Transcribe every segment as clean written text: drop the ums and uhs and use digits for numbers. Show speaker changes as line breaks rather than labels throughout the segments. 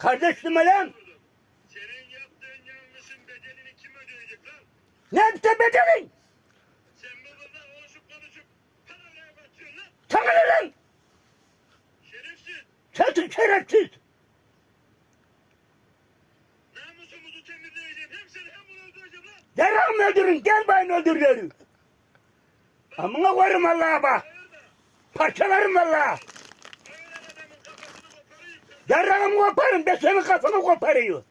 Kardeşim lan.
Senin yaptığın yanlışın bedelini kim ödeyecek lan?
Ne yaptı bedelin?
Sen babanla konuşup parayla batıyorsun lan.
Sana ne lan?
Şerefsiz.
Sensin şerefsiz.
Namusumuzu temizleyeceğim. Hem seni hem bunu öldüreceğim lan.
Yarağımı öldürün. Gel bana öldürüyorum. Amına koyarım Allah'a bak. Parçalarım valla.
Öyle adamın kafasını koparayım.
Yarağımı koparım. Ben senin kafanı koparıyorum.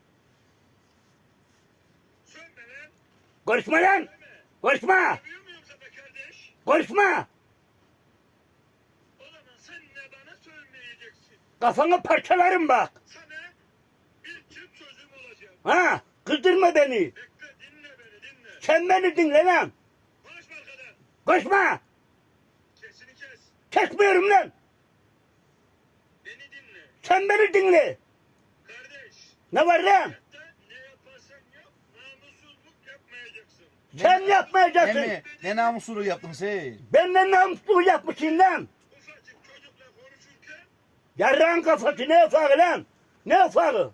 Sönme lan.
Konuşma lan. Konuşma.
Yapıyor muyum sana kardeş?
Konuşma.
O zaman sen de bana sönmeyeceksin.
Kafanı parçalarım bak.
Sana bir çift sözüm olacak.
Ha, kızdırma beni.
Bekle dinle beni dinle.
Sen beni dinle lan.
Konuşma arkadan.
Konuşma.
Sesini kes.
Kesmiyorum lan.
Beni dinle.
Sen beni dinle.
Kardeş.
Ne var lan?
Hayatta ne yaparsan yap namussuzluk yapmayacaksın.
Sen yapmayacaksın.
Emmi ne namusunu yaptın sen?
Benden namussuz yapmışsın lan.
Ufacık çocukla konuşurken
Yarrağın kafası ne ufağı lan? Ne ufağı?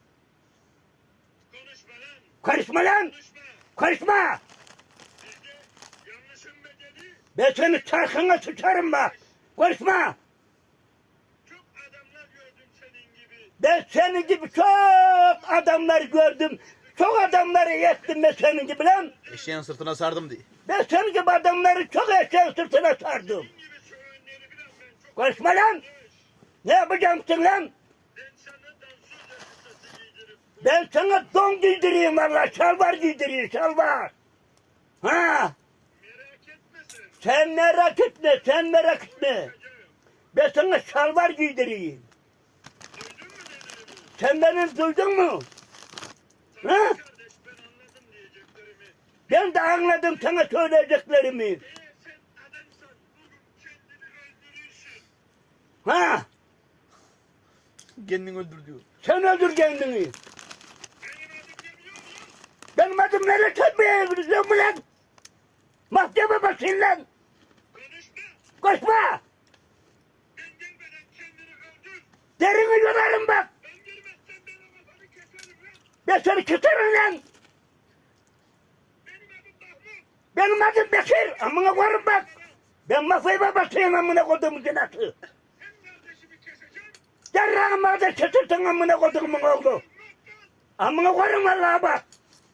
konuşma lan.
Karışma lan.
Konuşma.
Karışma.
Bizde yanlışın bedeli
Ben seni çarkına sıçarım bak. Konuşma.
çok adamlar gördüm senin gibi.
Ben senin gibi çok adamlar gördüm. Çok adamları yettim ben senin gibi lan.
Eşeğin sırtına sardım diye.
Ben senin gibi adamları çok eşeğin sırtına sardım.
Senin gibi söğünleri bilen ben çok
Konuşma lan.
arkadaş.
Ne yapacaksın lan?
Ben sana dansöz elbisesi giydirip
Ben sana don giydireyim valla. Şalvar giydireyim şalvar. Ha.
merak etme sen.
Sen merak etme. Sen merak etme.
Bakacağım.
Ben sana şalvar giydireyim.
Duydun mu dediğimi?
Sen beni duydun mu?
Tamam
Ha?
kardeş ben anladım diyeceklerimi.
Ben de anladım sana söyleyeceklerimi.
Eğer sen adamsan bugün kendini öldürürsün.
Ha?
Kendini öldür diyor.
Sen öldür kendini.
Benim adım demiyor musun?
Benim adım nereye çarpmaya gidiyorsun mu lan? Mahkeme basın lan.
Konuşma.
Koşma.
Ben gelmeden kendini öldür.
Derini yolarım bak.
Ben gelmezsem ben o kafanı keserim lan.
Ben seni keserim lan.
Benim adım Mahmut.
Benim adım Bekir. Amına koyarım bak. Ben mafyayı babasıyım amına koyduğumun cenası.
Hem kardeşimi keseceğim.
Yarrağımı da kesersin amına koyduğumun oğlu. Amına koyarım Allah'a bak.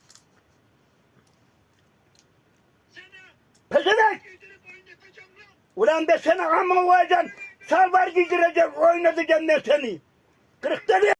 Sana
Pezevenk.
giydirip oynatacağım lan.
Ulan ben sana amına koyacağım. Salvar giydireceğim. Oynatacağım ben seni. Kırıkları